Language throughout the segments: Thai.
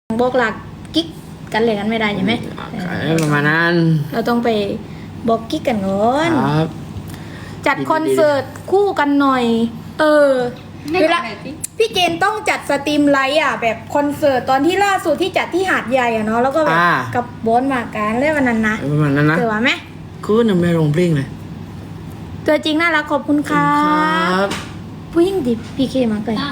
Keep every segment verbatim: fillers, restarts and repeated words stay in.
บอกหลักกิ๊กกันเลยกันไม่ได้ใช่ไหมประมาณนั้นเราต้องไปบอกกิ๊กกันก่อนครับจัดคอนเสิร์ตคู่กันหน่อยเออเวลาพี่เจนต้องจัดสตรีมไลท์อ่ะแบบคอนเสิร์ตตอนที่ล่าสุดที่จัดที่หาดใหญ่อ่ะเนาะแล้วก็แบบกับบอสมาการเล่นวันนั้นนะประมาณนั้นนะเจอว่าไหมคือยังไม่ลงเพลงเลยตัวจริงน่ารักขอบคุณครับผู้หญิงดิพี่เคมาเลย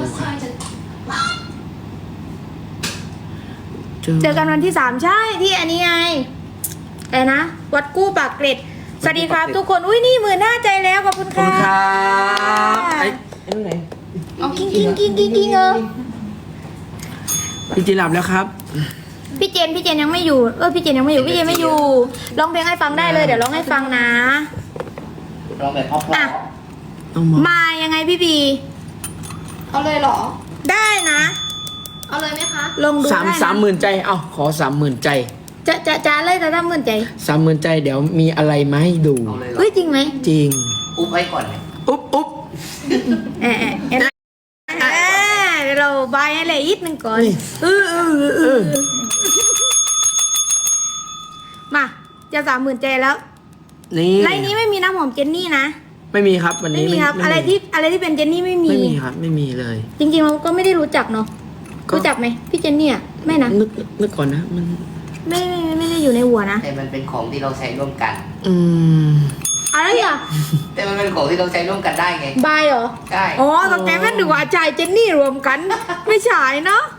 เจอกันวันที่สามใช่ที่อันนี้ไงไอ้นะวัดกู้ปากเกร็ดสวัสดีครับทุกคนอุ้ยนี่หมื่นหน้าใจแล้วขอบคุณค่ะไอ้ไอ้ไหนเอากิ้งกิ้งกิ้งกิ้งกิ้งเออพี่จีหลับแล้วครับพี่เจนพี่เจนยังไม่อยู่เออพี่เจนยังไม่อยู่พี่เจนไม่อยู่ร้องเพลงให้ฟังได้เลยเดี๋ยวร้องให้ฟังนะร้องแบบเพราะๆมายังไงพี่บีเอาเลยเหรอได้นะเอาเลยไหมคะลงดูได้สามสามหมื่นใจเอ้าขอสามหมื่นใจจะจะจะเลยแต่ถ้าหมื่นใจสามหมื่นใจเดี๋ยวมีอะไรมาให้ดูเฮ้ยจริงไหมจริงอุ๊บไว้ก่อนไหมอุ๊บอุ๊บเออเออเออเดี๋ยวเราบายให้เลยอีกหนึ่งก่อนเออเออเออมาจะสามหมื่นใจแล้วนี่ไลน์นี้ไม่มีน้ำหอมเจนนี่นะไม่มีครับวันนี้ไม่มีครับอะไรที่อะไรที่เป็นเจนนี่ไม่มีไม่มีครับไม่มีเลยจริงๆเราก็ไม่ได้รู้จักเนาะรู้จักไหมพี่เจนนี่อ่ะไม่นะนึกนึกก่อนนะมันไม่ไม่ไม่ได้อยู่ในหัวนะแต่มันเป็นของที่เราใช้ร่วมกันอืมอะไรอ่ะแต่มันเป็นของที่เราใช้ร่วมกันได้ไงบายเหรอใช่อ๋อตอนแกแม่ดูว่าใจเจนนี่รวมกันไม่ใช่เนาะ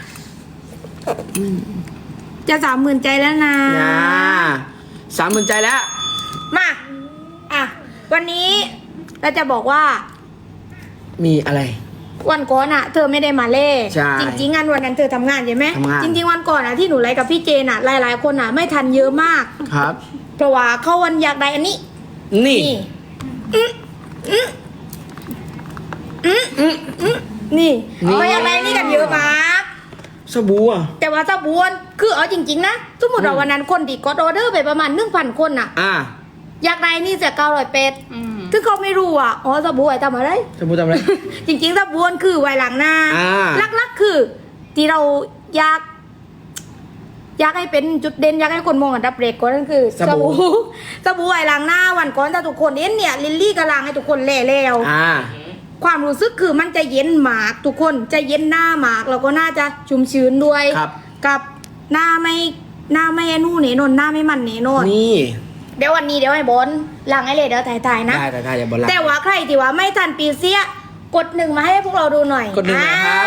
จะสามหมื่นใจแล้วนะสามหมื่นใจแล้วมาอ่ะวันนี้เราจะบอกว่ามีอะไรวันก่อนอ่ะเธอไม่ได้มาเล่จริงๆงานวันนั้นเธอทำงานใช่ไหมจริงๆวันก่อนอ่ะที่หนูไลฟ์กับพี่เจนอ่ะหลายๆคนอ่ะไม่ทันเยอะมากครับเพราะว่าเขาวันอยากได้อันนี้นี่อืมอืมอืมอืมอืมนี่เขาอยากได้นี่กันเยอะมากสบู่อ่ะแต่ว่าสบู่คือเอาจริงๆนะสมมติเราวันนั้นคนที่กดออเดอร์ไปประมาณหนึ่งพันคนอ่ะอ่าอยากได้นี่จะเก้าร้อยเป็ดถึงเขาไม่รู้อ่ะอ๋อสบู่ไว้ทำอะไรสบู่ทำอะไรจริงๆสบู่คือไว้หลังหน้าลักๆคือที่เราอยากอยากให้เป็นจุดเด่นอยากให้คนมองอันดับเรกก็นั่นคือสบู่สบู่ไว้หลังหน้าวันก่อนถ้าทุกคนเห็นเนี่ยลิลลี่กำลังให้ทุกคนเล่แล้วความรู้สึกคือมันจะเย็นหมากทุกคนจะเย็นหน้าหมากแล้วก็น่าจะชุ่มชื้นด้วยกับหน้าไม่หน้าไม่นู่นเนนนหน้าไม่มันเนนนนี่เดี๋ยววันนี้เดี๋ยวให้บอลหลังไอเลยเดี๋ยวถ่ายๆนะได้ถ่ายๆอย่าบอลแต่ว่าใครที่ว่าไม่ทันปีเสียกดหนึ่งมาให้พวกเราดูหน่อยกดหนึ่งนะครับ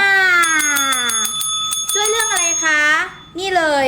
ช่วยเรื่องอะไรคะนี่เลย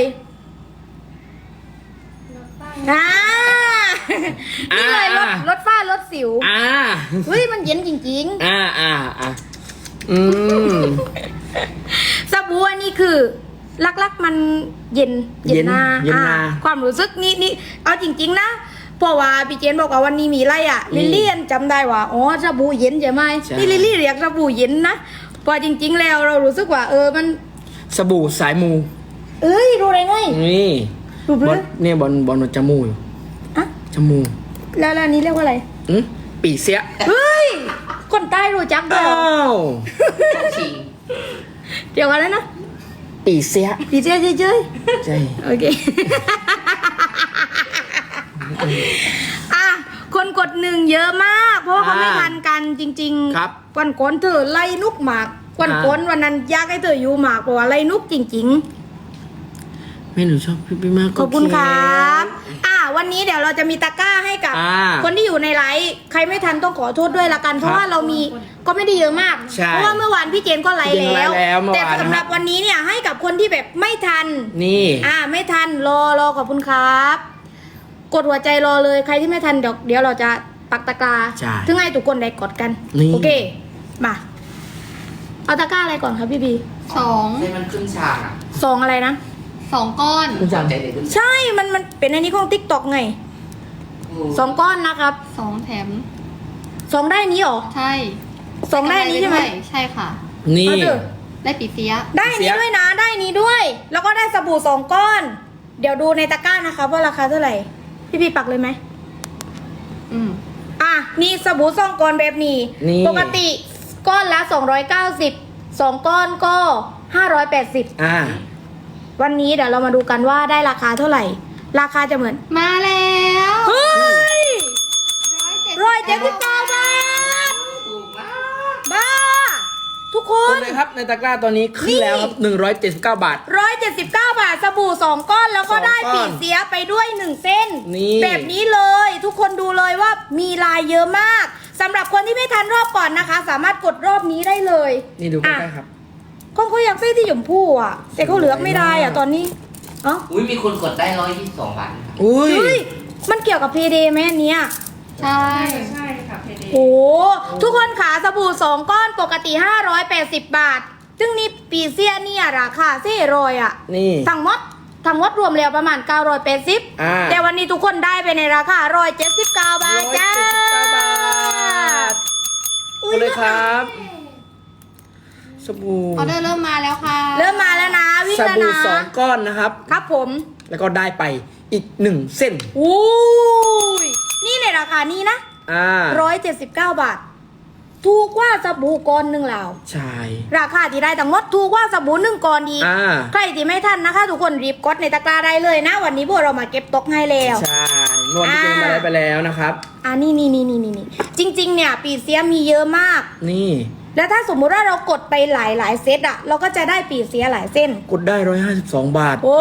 อ่านี่เลยรถรถฝ้ารถสิวอ่าเฮ้ยมันเย็นจริงๆอ่าอ่าอ่าอืมสบู่อันนี้คือลักๆมันเย็นเย็นหน้าความรู้สึกนี่นี่เอาจริงๆนะเพราะว่าพี่เจนบอกว่าวันนี้มีอะไรอ่ะลิลลี่จำได้ว่าอ๋อสบู่เย็นใช่ไหมนี่ลิลลี่เรียกสบู่เย็นนะพอจริงๆแล้วเรารู้สึกว่าเออมันสบู่สายมูเอ้ยรู้ได้ไงนี่บอลเนี่ยบอลบอลจมูกอะจมูกแล้วอันนี้เรียกว่าอะไรอืมปีเสียเฮ้ยคนใต้รู้จักเหรอเกี่ยวกับอะไรนะปีเสียปีเสียเฉยเฉยใช่โอเคอ่ะคนกดหนึ่งเยอะมากเพราะว่าเขาไม่ทันกันจริงๆครับวันก่อนเธอไล่นุกหมากวันก่อนวันนั้นยากให้เธออยู่หมากเพราะว่าไล่นุกจริงๆไม่หนูชอบพี่พี่มากขอบคุณครับอ่ะวันนี้เดี๋ยวเราจะมีตะกร้าให้กับคนที่อยู่ในไลฟ์ใครไม่ทันต้องขอโทษด้วยละกันเพราะว่าเรามีก็ไม่ได้เยอะมากเพราะว่าเมื่อวานพี่เจนก็ไลฟ์แล้วแต่สำหรับวันนี้เนี่ยให้กับคนที่แบบไม่ทันนี่อ่าไม่ทันรอรอขอบคุณครับกดหัวใจรอเลยใครที่ไม่ทันเดี๋ยวเดี๋ยวเราจะปักตะกร้าถึงให้ทุกคนได้กดกันโอเคมาเอาตะกร้าอะไรก่อนครับพี่บีสองให้มันขึ้นฉากอ่ะสองอะไรนะสองก้อนใช่มันมันเป็นอันนี้ของติ๊กต็อกไงสองก้อนนะครับสองแถมสองได้นี้หรอใช่สองได้นี้ใช่ไหมใช่ค่ะนี่ได้ปีเสียได้นี้ด้วยนะได้นี้ด้วย แล้วก็ได้สบู่สองก้อนเดี๋ยวดูในตะกร้านะคะว่าราคาเท่าไหร่พี่พี่ปักเลยไหมอืมอ่ะนี่สบู่สองก้อนแบบนี้ปกติก้อนละสองร้อยเก้าสิบสองก้อนก็ห้าร้อยแปดสิบอ่าวันนี้เดี๋ยวเรามาดูกันว่าได้ราคาเท่าไหร่ ราคาจะเหมือนมาแล้วเฮ้ยร้ร้ออย ยเจ็เจ็ดดสิสิบบ เก้าเก้าบาทถูกมากบ้า ทุกคกดนเลยครับในตะกร้าตอนนี้ขึ้นแล้วครับหนึ่งร้อยเจ็ดสิบเก้าบาทร้อยเจ็ดสิบเก้าบาทสบู่สองก้อนแล้วก็สองได้ก้อนปีเสียไปด้วยหนึ่งเส้นนี่แบบนี้เลย ทุกคนดูเลยว่ามีลายเยอะมากสำหรับคนที่ไม่ทันรอบก่อนนะคะ สามารถกดรอบนี้ได้เลยนี่ดูใกอ่ะล้ๆครับคนเขาอยากได้ที่หยมพู่อ่ะ แต่เขาเหลือกไม่ได้อ่ะตอนนี้เอ๋ออุ้ยมีคนกดได้ร้อยยี่สิบสองบาทนะครับอุ้ยเฮ้ยมันเกี่ยวกับเพเดไหมอันเนี้ยใช่ใช่ค่ะเพเดโอ้ทุกคนขาสบู่สองก้อนปกติห้าร้อยแปดสิบบาท ซึ่งนี่ปีเซียเนี่ยราคาเซ่รอยอ่ะนี่ทั้งหมดทั้งหมดรวมแล้วประมาณเก้าร้อยแปดสิบอ่าแต่วันนี้ทุกคนได้ไปในราคาหนึ่งร้อยเจ็ดสิบเก้าบาทจ้าร้อยเจ็ดสิบเก้าบาทอุ๊กดเลยครับ สบู่ออเดอร์เริ่มมาแล้วค่ะเริ่มมาแล้วนะวิ่งสแล้วบู่นะสองก้อนนะครับครับผมแล้วก็ได้ไปอีกหนึ่งเส้นอู้ยนี่ในราคานี้นะอ่าร้อยเจ็ดสิบเก้าบาท ถูกกว่าสบู่ก้อนหนึ่งแล้วใช่ราคาที่ได้ทั้งหมดถูกกว่าสบู่หนึ่งก้อนดีกอ่าใครที่ไม่ทันนะคะ ทุกคนรีบกดในตะกร้าได้เลยนะ วันนี้พวกเรามาเก็บตกให้แล้วใช่นวดที่เจมาได้ไปแล้วนะครับอ่านี่นี่นี่นี่นี่จริง ๆ เนี่ย ปีเสียมีเยอะมากนี่แล้วถ้าสมมุติว่าเรากดไปหลายหลายๆเซตอะเราก็จะได้ปีเสียหลายเส้นกดได้ร้อยห้าสิบสองบาทโอ้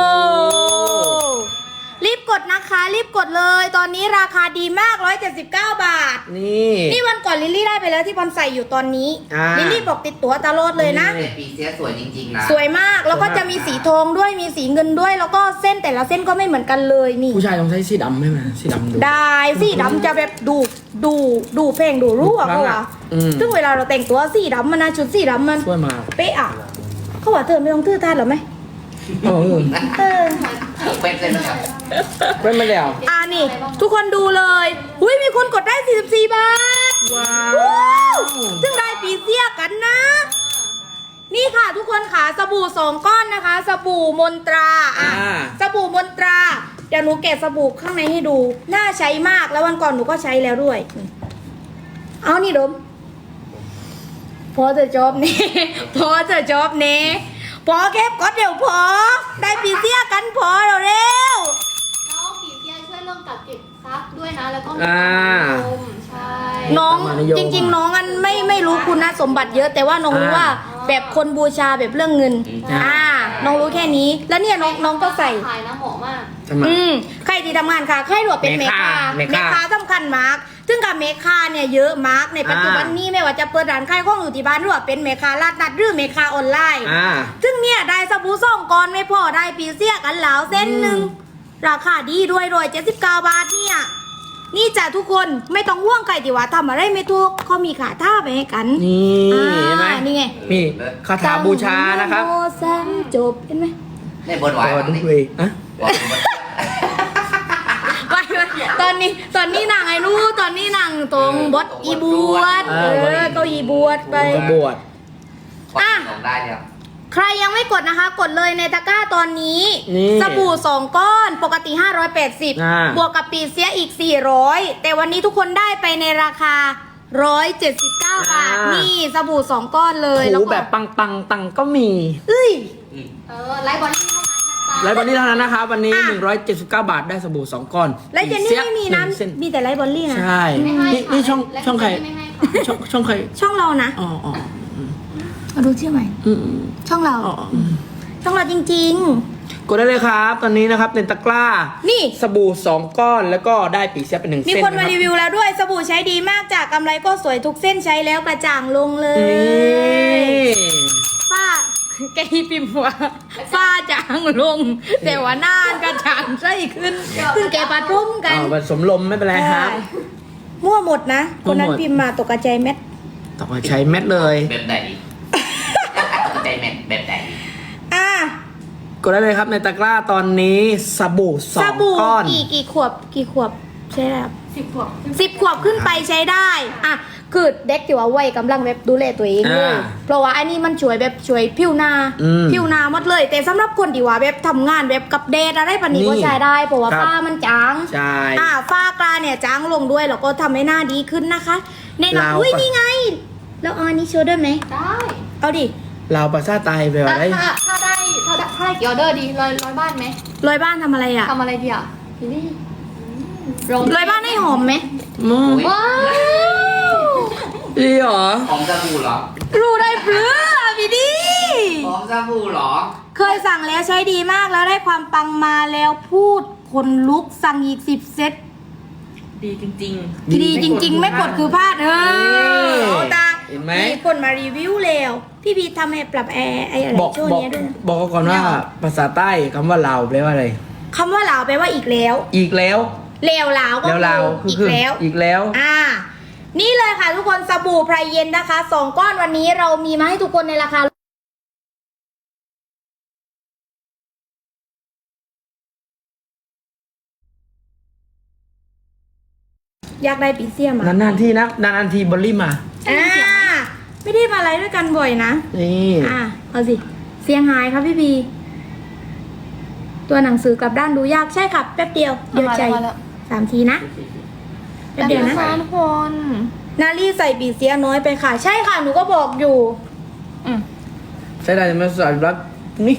รีบกดนะคะ รีบกดเลย ตอนนี้ราคาดีมากร้อยเจ็ดสิบเก้าบาทนี่นี่วันก่อนลิลลี่ได้ไปแล้วที่บอลใส่อยู่ตอนนี้อ่าลิลลี่บอกติดตัวตลอดเลยนะแต่ปีเสียสวยจริงๆนะสวยมากแล้วก็จะมีสีทองด้วยมีสีเงินด้วย แล้วก็เส้นแต่ละเส้นก็ไม่เหมือนกันเลยนี่ผู้ชายต้องใช้สีดำไหมมันสีดำดูได้สีดำจะแบบดูดูดูเพลงดูรู้อะดูครั้เขางว่าอะอืมซึ่งเวลาเราแต่งตัวสีดำมันนะชุดสีดำมันช่วยมาเป๊ะอะเขาว่าเธอไม่ต้องทื่อทานหรอไหมเออเออเป็นเลยนะครับเป็นมาแล้วอ่านี่ ทุกคนดูเลยอุ้ยมีคนกดได้สี่สิบสี่บาทว้าว้าว ซึ่งได้ปีเสียกันนะ นี่ค่ะทุกคนค่ะสบู่สองก้อนนะคะ สบู่มนตราอ่ะอ่าสบู่มนตรา เดี๋ยวหนูแกะสบู่ข้างในให้ดู น่าใช้มากแล้ววันก่อนหนูก็ใช้แล้วด้วย เอานี่ดม พอจะจบนี่ พอจะจบนี่พอแคบก็เดี๋ยวพอ ได้ปีเสียกันพอเร็วน้องปีเซียช่วยเรื่องกักเก็บทรัพย์ด้วยนะ แล้วก็มีอ่าความนิยมใช่ๆน้องประมาณนิยมจริง ๆ น้องอันไม่ไม่รู้คุณสมบัติเยอะ แต่ว่าน้องรู้อ่าว่าแบบคนบูชาแบบเรื่องเงินอ่าอ่า น้องรู้แค่นี้ แล้วเนี่ยน้องน้องก็ใส่ขายนะเหมาะมากทำไมอืมใครที่ทำงานค่ะใครหลวเป็นเมเมคาคาเมเมคาคาสำคัญมาก ซึ่งกับเมคาเนี่ยเยอะมากในปัจจุบันอ่านี้นี้ไม่ว่าจะเปิดร้านขายของอยู่ที่บ้านหรือว่าเป็นเมคาลาดนัดหรือเมคาออนไลน์อ่าซึ่งเนี่ยได้สบู่ซ่องก้อนไม่พอได้ปีเสียกันแล้วเส้นหนึ่งราคาดีด้วยรวยเจ็ดสิบเก้าบาทเนี่ยนี่จ้ะทุกคนไม่ต้องห่วงใครที่ว่าทำอะไรไม่ถูกเขามีขาท่าไปให้กันนี่อ่าเห็นไหมนี่ไงนี่คาถาบูชานะครับโมแซมจบเห็นไหมได้บนไหวต่อบ้างด้นี่วยอ่ะบอกผมว่าไปไปตอนนี้ตอนนี้นางไอ้นู้ตอนนี้นางตรงบดอีบวชเออก็อีบวชไปจะบวชอ่ะลงได้เนี่ยใครยังไม่กดนะคะ กดเลยในตะกร้าตอนนี้นี่สบู่สองก้อนปกติห้าร้อยแปดสิบอ่าบวกกับปีเสียอีกสี่ร้อยแต่วันนี้ทุกคนได้ไปในราคาหนึ่งร้อยเจ็ดสิบเก้าบาท นี่สบู่สองก้อนเลยแล้วถูก็แบบปังปังๆตังก็มีเอ้ยอืมเออไลฟ์บอลลี่เท่านั้นนะจ๊ะไลฟ์วันนี้เท่านั้นนะครับ วันนี้อ่ะหนึ่งร้อยเจ็ดสิบเก้าบาทได้สบู่สองก้อนและเจนนี่ไม่มีหงเส้น้ำมีแต่ไลท์บอลลี่นะใช่ไม่ให้นี่ค่ะนี่ช่องและช่องใครไม่ให้ค่ะช่องช่องใครช่องเรานะอ๋ออ๋อมาดูชื่อใหม่อืมอืมช่องเราอ๋ออืมช่องเราจริงกดได้เลยครับ ตอนนี้นะครับในตะกร้านี่สบู่สองก้อนแล้วก็ได้ปีเสียเป็นหนึ่งๆ มีเส้นคนมานะรีรับวิวแล้วด้วยสบู่ใช้ดีมากจากกำไรก็สวยทุกเส้นใช้แล้วกระจ่างลงเลยนี่ฝ้า แกฮิพิมพ์ว่าฝ้าจางลง แต่ว่าหน้ากระจ่างใสขึ้นซึ่งแกปะทุ่มกันอ่าผสมลมไม่เป็นไรครับมั่วหมดนะ คนนั้นมั่วหมดพิมพ์มาตกกระจายเม็ดต่อไปใช้เม็ดเลยแบบไหนใจแมทแบบไหนอ่ะกดได้เลยครับในตะกร้าตอนนี้สบู่สสองบู่ก้อนกี่กี่ขวบกี่ขวบใช่แล้วสิบขวบสิบขวบขึ้นไปใช้ได้อ่ะคือเด็กที่ว่าวัยกำลังแบบดูแลตัวเองเลยอ่าเพราะว่าอันนี้มันช่วยแบบช่วยผิวหน้าอืมผิวหน้าหมดเลย แต่สำหรับคนที่ว่าแบบทำงานแบบกับแดดอะไรปานนี้นี่ก็ใช้ได้เพราะว่าครับฝ้ามันจางใช่อ่าฝ้ากลาเนี่ยจางลงด้วยแล้วก็ทำให้หน้าดีขึ้นนะคะแน่นอนเราอุ้ยปะนี่ไง แล้วเอาอันนี้โชว์ด้วยไหมได้เอาดิลาวภาษาไทยแปลว่าอะไรถ้าถ้าได้ถ้าได้ถ้าได้กี่ออเดอร์ดีร้อยร้อยบ้านไหมลอยบ้านทำอะไรอ่ะทำอะไรดีอ่ะพี่นี่ลงลอยบ้านให้หอมไหมอืมอุ๊ยว้าวดีเหรอหอมสบู่เหรอรู้ได้เปลือพี่ดีหอมสบู่เหรอเคยสั่งแล้วใช้ดีมากแล้วได้ความปังมาแล้วพูดคนลุกสั่งอีกสิบเซตดีจริงดีจริง ๆ ไม่กดคือพลาดเออเอาตาเห็นไหมมีคนมารีวิวแล้วพี่พีทำให้ปรับแอร์ไอ้อะไรบอกช่วงบอกนี้ด้วยนะบอกก่อนว่าภาษาใต้คำว่าลาวแปลว่าอะไรคำว่าลาวแปลว่าอีกแล้วอีกแล้วเลวลาวก็แล้วลาวคือคืออีกแล้วอีกแล้วอ่า นี่เลยค่ะทุกคนสบู่ไพรเย็นนะคะสองก้อนวันนี้เรามีมาให้ทุกคนในราคาอยากได้ปีเซียมอ่ะนานๆทีนะนานๆทีบอลลี่มาอ่าไม่ได้มาอะไรด้วยกันบ่อยนะนี่อ่าเอาสิเสียงหายครับพี่บีตัวหนังสือกลับด้านดูยากใช่ครับแป๊บเดียวเดียวใจสามทีนะแป๊บเดียวนะแต่ทุกคนนาลี่ใส่ปีเสียน้อยไปค่ะ ใช่ค่ะหนูก็บอกอยู่อืมใช้ได้ไหมสายรักนี่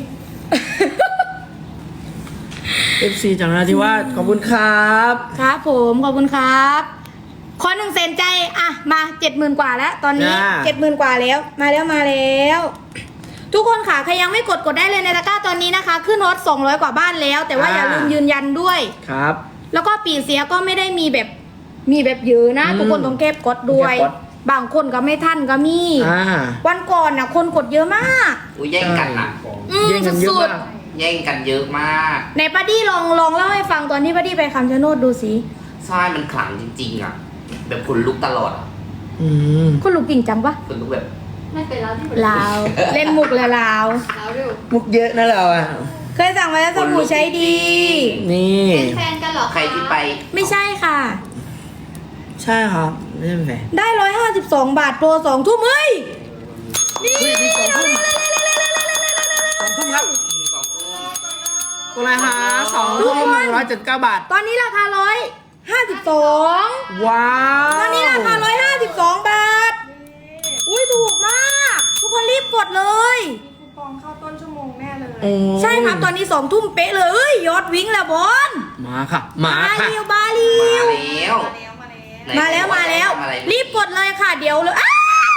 เอฟซีจากนราธิวาสขอบคุณครับครับผมขอบคุณครับขอหนึ่งเซนใจอ่ะมาเจ็ดหมื่นกว่าแล้ว ตอนนี้จ้าเจ็ดหมื่นกว่าแล้ว มาแล้วมาแล้ว ทุกคนค่ะใครยังไม่กดกดได้เลยในตะกร้าตอนนี้นะคะ ขึ้นฮอตสองร้อยกว่าบ้านแล้ว แต่ว่าอย่าลืมยืนยันด้วยครับแล้วก็ปีเสียก็ไม่ได้มีแบบมีแบบเยอะนะอืมทุกคนต้องเก็บกดด้วยเก็บกดบางคนก็ไม่ทันก็มีอ่าวันก่อนน่ะคนกดเยอะมากอุ้ยแย่งกันอ่ะอืมเย่งกันเยอะสุดมากแย่งกันเยอะมากๆในป้าดี้ลองลองเล่าให้ฟังตอนที่ป้าดี้ไปคำชะโนดดูสิใช่มันขลังจริงๆอ่ะ แบบคนลุกตลอดอ่ะอืมคุณลูกจริงจังปะคนลุกแบบไม่เป็นแล้วที่เหมือนลาวเล่นมุกเลยลาวแล้วเร็วมุกเยอะนะเราอ่ะเคยสั่งมาแล้วสบู่ใช้ดีนี่เป็นแฟนกันเหรอคะใครที่ไปไม่ใช่ค่ะใช่ครับไม่ใช่แฟนได้ร้อยห้าสิบสองบาทโปรสองทุ่มเฮ้ยนี่เฮ้ยมีสองทุ่มสองทุ่มครับกุลาหาสองทุ่มหนึ่งร้อยเจ็ดเก้าบาทตอนนี้ราคาร้อยห้าสิบสองว้าวตอนนี้ราคาร้อยห้าสิบสองบาท อุ้ยถูกมาก ทุกคนรีบกดเลยโอ้ใช่ครับตอนนี้สองทุ่มเป๊ะเลยเอ้ยยอดวิ่งแล้วบอลมาค่ะ มาค่ะเรียวบาลีมาแล้วมาแล้วมาแล้วทำอะไรรีบกดเลยค่ะ เดี๋ยวเลยอ้าว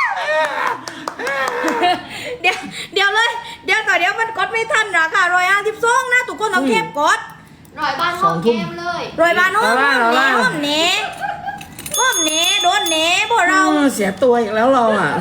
เดี๋ยวเดี๋ยวเลย เดี๋ยวต่อเดี๋ยวมันกดไม่ทันนะค่ะร้อยห้าสิบสองนะทุกคนต้องเก็บกดร้อยบ้านห้องเกมเลยรอยบานโอ้มเน่โอ้มเน่โอ้มเน่โดนเน่พวกเราเออเสียตัวอีกแล้วเราอ่ะ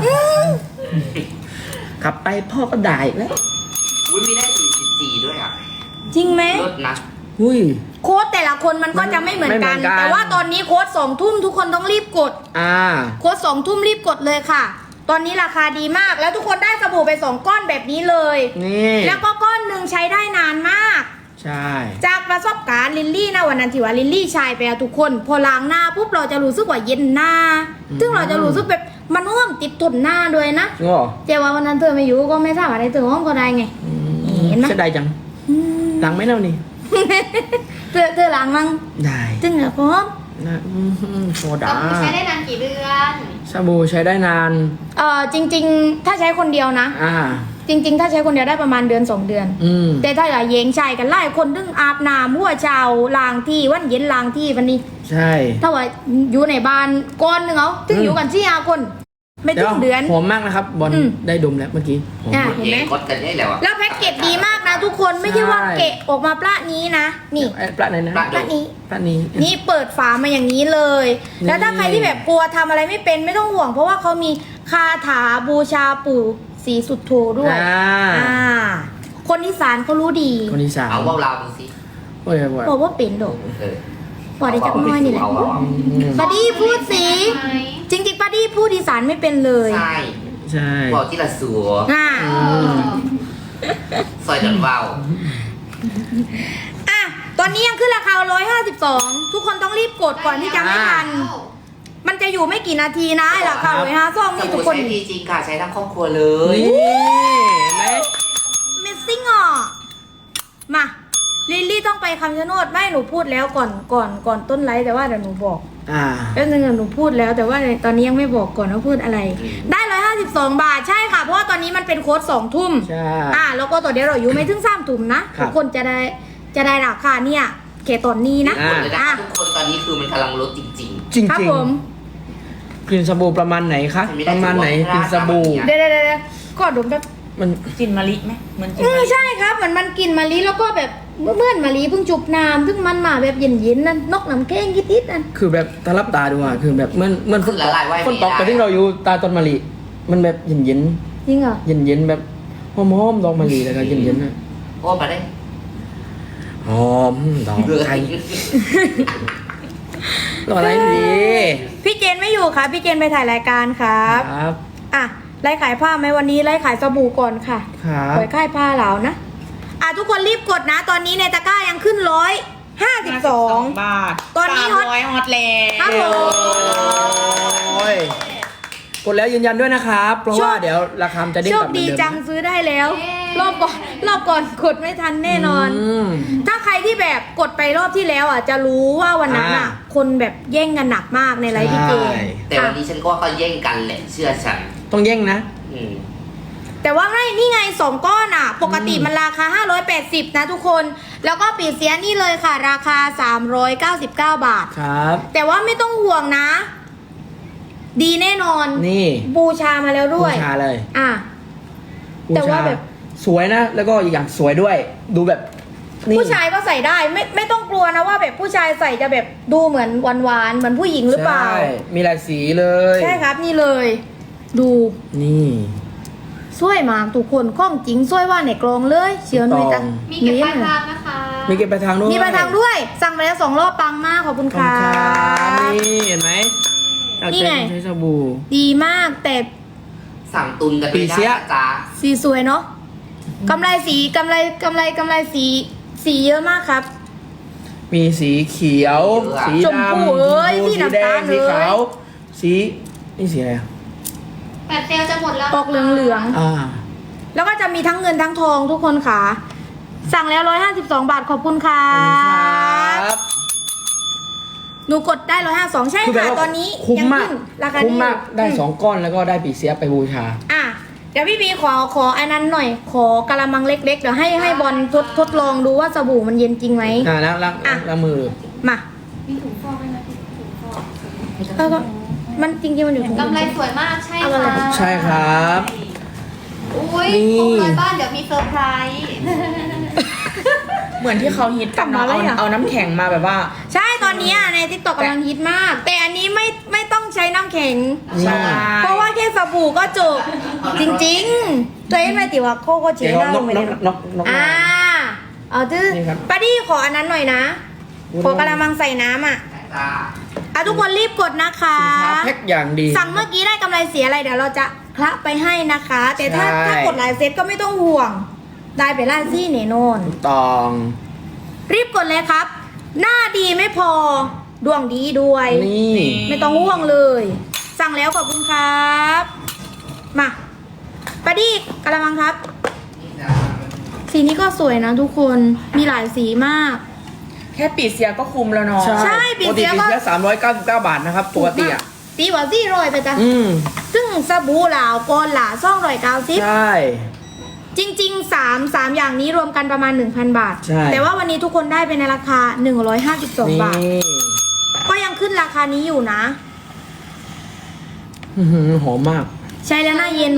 ขับไปพ่อก็ด่าอีกแล้วอุ้ยมีได้สี่สิบสี่ด้วยอ่ะจริงไหมลดนะอุ้ยโค้ดแต่ละคนมันก็จะไม่เหมือนกันไม่เหมือนกันแต่ว่าตอนนี้โค้ดสองทุ่มทุกคนต้องรีบกดอ่าโค้ดสองทุ่มรีบกดเลยค่ะ ตอนนี้ราคาดีมากแล้วทุกคนได้สบู่ไปสองก้อนแบบนี้เลยนี่แล้วก็ก้อนหนึ่งใช้ได้นานมากใช่จากประสบการณ์ลิลลี่นะวันนั้นที่ว่าลิลลี่ใชายไปอะทุกคน พอล้างหน้าปุ๊บเราจะรู้สึกว่าเย็นหน้า ซึ่งเราจะรู้สึกแบบมันห้อมติดทนหน้าด้วยนะจริงเหรอเจ้าว่าวันนั้นเธอไม่อยู่ก็ไม่ทราบอะไรเธอห้องก็ได้ไงอืมเห็นไหมเสียดายจังหลังไหม่เล่านี่เธอเธอล้างมั้งได้จึงเหรอพร้อมนะอืมโซสดาบู่ใช้ได้นานกี่เดือนสบู่ใช้ได้นานเอ่อจริง ๆ ถ้าใช้คนเดียวนะอ่าจริง ๆ ถ้าใช้คนเดียวได้ประมาณเดือนสองเดือนอืมแต่ถ้าอย่าเยงชายกันไล่คนดึงอาบน้ำหัวเช้าล้างที่วันเย็นล้างที่วันนี้ใช่ถ้าว่าอยู่ในบ้านก้อนหนึ่งเอาถึงอยู่กันสี่ห้าคน ไม่ถึงเดือนหอมมากนะครับ บอลอืมได้ดมแล้วเมื่อกี้หอมอ่ะมากเห็นไหมเย่งกดกันได้แล้วอ่ะแล้วแพ็กเกจดีมากนะทุกคนไม่ใช่ว่าใช่เกะออกมาปลานี้นะ นี่เอ้ยปลาไหนนะปลาปลานี้ปลานี้นี่เปิดฝามาอย่างนี้เลยนี่แล้วถ้าใครที่แบบกลัวทำอะไรไม่เป็นไม่ต้องห่วง เพราะว่าเขามีคาถาบูชาปู่ศรีสุโธด้วยอ่าอ่า คนอีสานเขารู้ดีคนที่สามเอาเบาเราดูสิโอ้ยโอ้ยบอกว่าเป็นดอกเออบอกได้จากน้อยนี่แหละเอาเอาเอาอืมปาดี้พูดสิไหมจริงๆปาดี้พูดอีสานไม่เป็นเลยใช่ใช่บอกที่ละสัวอ่าเออซอยเดินเบาอ่ะตอนนี้ยังขึ้นราคาร้อยห้าสิบสองทุกคนต้องรีบกดก่อนที่จะไม่ทัน มันจะอยู่ไม่กี่นาทีนะไอ้ราคาร้อยห้าซองสนี่ทุบู่กคนใช้ดีจริงค่ะใช้ทั้งครอบครัวเลยนี่เห็นไหมเมสซิ่งอ่ะมาลิลลี่ต้องไปคำชะโนดไม่หนูพูดแล้วก่อนก่อนก่อนต้นไลฟ์แต่ว่าเดี๋ยวหนูบอกอ่าแล้วนึงหนูพูดแล้วแต่ว่าตอนนี้ยังไม่บอกก่อนว่าพูดอะไร ได้ร้อยห้าสิบสิบสองบาทใช่ค่ะเพราะว่าตอนนี้มันเป็นโค้ดสองทุ่มใช่อ่าแล้วก็ตัวเดียวเราอยู่ไม่ถึงสามทุ่มนะครับ ทุกคนจะได้จะได้ราคาเนี่ยเกตอนนี้นะอ่าเลยนะอ่ะคะทุกคนตอนนี้คือมันกำลังลดจริงจริงครับจริงผมกลิ่นสบู่ประมาณไหนคะไม่ได้ประมาณไหนถือว่ากลิ่นสบู่ราคาเดี๋ยวเดี๋ยวเดี๋ยวก็ดมแบบมันกลินมะลิไหมเหมือนกลินอืมมะลิใช่ครับเหมือนมันกลิ่นมะลิแล้วก็แบบเมื่อนมะลิเพิ่งจุบน้ำซึ่งมันมาแบบเย็นๆนั่นนกน้ำแข้งยิดๆนั่นคือแบบถ้ารับตาดูอ่ะคือแบบเหมื่อนเหมื่อนฝนตกละลายไว้ฝนตกไม่ได้แต่ที่เราอยู่ตาต้นมะลิมันแบบเย็นเย็นจริงเหรอเย็นเย็นๆแบบหอมหอมๆดอกมะลิแล้วก็เย็นเย็นๆนะๆโอ้มาได้หอมดอกไทยรออะไรดีพี่เจนไม่อยู่ค่ะพี่เจนไปถ่ายรายการครับครับอ่ะไล่ขายผ้าไหมวันนี้ไล่ขายสบู่ก่อนค่ะครับปล่อยค่ายผ้าเหลานะอ่ะทุกคนรีบกดนะ ตอนนี้ในตะกร้ายังขึ้นร้อยห้าสิบสองบาทตอนนี้ฮอตสามร้อยฮอตแล้ครับวผมโอ้ยกดแล้วยืนยันด้วยนะครับ เพราะว่าเดี๋ยวราคามันจะเด้งโชกคลับเหมือนดีเดิมจังซื้อได้แล้ว รอบก่อนรอบก่อนกดไม่ทันแน่นอนมถ้าใครที่แบบกดไปรอบที่แล้วอ่ะจะรู้ว่าวันนั้นอ่ะอ่าคนแบบแย่งกันหนักมากในไลฟ์พี่เจนใช่แต่วันนี้ฉันก็ว่าเขาแย่งกันแหละเชื่อฉันต้องแย่งนะอืมแต่ว่าไม่นี่ไงสองก้อนอ่ะ ปกติอืมมันราคาห้าร้อยแปดสิบนะทุกคน แล้วก็ปีเสียนี่เลยค่ะ ราคาสามร้อยเก้าสิบเก้าบาทครับแต่ว่าไม่ต้องห่วงนะ ดีแน่นอนนี่บูชามาแล้วบูด้วยชาเลยอ่ะบูแต่ว่าชาแบบสวยนะ แล้วก็อีกอย่างสวยด้วย ดูแบบนี่ผู้ชายก็ใส่ได้ไม่ไม่ต้องกลัวนะว่าแบบผู้ชายใส่จะแบบดูเหมือนหวานๆเหมือนผู้หญิงหรือเปล่าใช่มีหลายสีเลยใช่ครับนี่เลย ดูนี่สวยมากทุกคนข้องจริงสวยว่าในกลองเลยเชียวหน่อยถูกต้ตัองมีเก็บปลายทางนะคะมีเก็บไปลายทางด้วยมีปลายทางด้วย สั่งไปแล้วสองรอบปังมากขอบคุณขอบค่ะคุณครับนี่เห็นไหมนี่ไงใช้สบู่ดีมากแต่สั่งตุนกันไปปีได้เสียนะจ๊ะสีสวยเนาะกำไรสีกำไรกำไรกำไรสีสีเยอะมากครับมีสีเขียว สีชมดำพูเอ้ยชมพูสีสีน้ำแดตาลงสีเลยขาวสีนี่สีอะไรอ่ะแปดเซลลจะหมดแล้วออกเหลืองอ่าๆแล้วก็จะมีทั้งเงินทั้งทองทุกคนค่ะ สั่งแล้วร้อยห้าสิบสองบาทขอบคุณค่ะขอบคุณครับหนูกดได้ร้อยห้าสองใช่คือแบบค่ะว่าตอนนี้คุ้มยังมากขึ้นราคาคุ้มนี้มากได้สองก้อนแล้วก็ได้ปีเสียไปบูชาอ่ะเดี๋ยวพี่บีขอขออันนั้นหน่อย ขอกะละมังเล็กๆเดี๋ยวให้ให้บอลทดทดลองดูว่าสบู่มันเย็นจริงไหมอ่าแล้วล้างอ่ะล้างมือมามีถุงฟอกด้วยนะถุงฟอกเออก็มันจริงๆมันอยู่ถุงกำไรสวยมากใช่เอาอะไรค่ะใช่ครับอุ้ยนี่ครบร้อยบ้านเดี๋ยวมีเซอร์ไพรส์เหมือนที่เขาฮิตกันเนาะเอาเอาน้ำแข็งมาแบบว่าใช่ตอนนี้อ่ะในทิกตอกกำลังฮิตมาก แต่อันนี้ไม่ไม่ต้องใช้น้ำแข็งนี่ใช่เพราะว่าแค่สบู่ก็จบ จริงๆ ตัวเองไม่ติว่าโคก็เฉเดี๋ยยว หน้านลกงไปนเลกยนกนกอ่าเอาดื้อนี่ครับป้าดี้ขออันนั้นหน่อยนะ ขอกระมังใส่น้ำอ่ะจ้าอ่ะทุกคนรีบกดนะคะสินค้าแพ็คอย่างดีสั่งเมื่อกี้ได้กำไรเสียอะไรเดี๋ยวเราจะคละไปให้นะคะ แต่ถ้าใช่ถ้ากดหลายเซตก็ไม่ต้องห่วง ได้ไปล่าซี่เนโนนถูกต้องรีบกดเลยครับ หน้าดีไม่พอ ดวงดีด้วยนี่ไม่ต้องห่วงเลย สั่งแล้วขอบคุณครับ มาปาดี้กระมังครับ สีนี้ก็สวยนะทุกคนมีหลายสีมากแค่ปีเสียก็คุ้มแล้วเนาะใช่ ปีปกเสีติยปีก็เสียสามร้อยเก้าสิบเก้าบาทนะครับปกติอ่ะตีกว่าสี่ร้อยไปจ้ะอืมซึ่งสบู่หลาวโกนหลาซ่องร้อยเก้าสิบใช่จริงๆสามสามอย่างนี้รวมกันประมาณ หนึ่งพัน บาทใช่แต่ว่าวันนี้ทุกคนได้ไปในราคา หนึ่งร้อยห้าสิบสองนี่บาท ก็ยังขึ้นราคานี้อยู่นะอื้อหือหอมมากใช้แล้วหน้าเย็น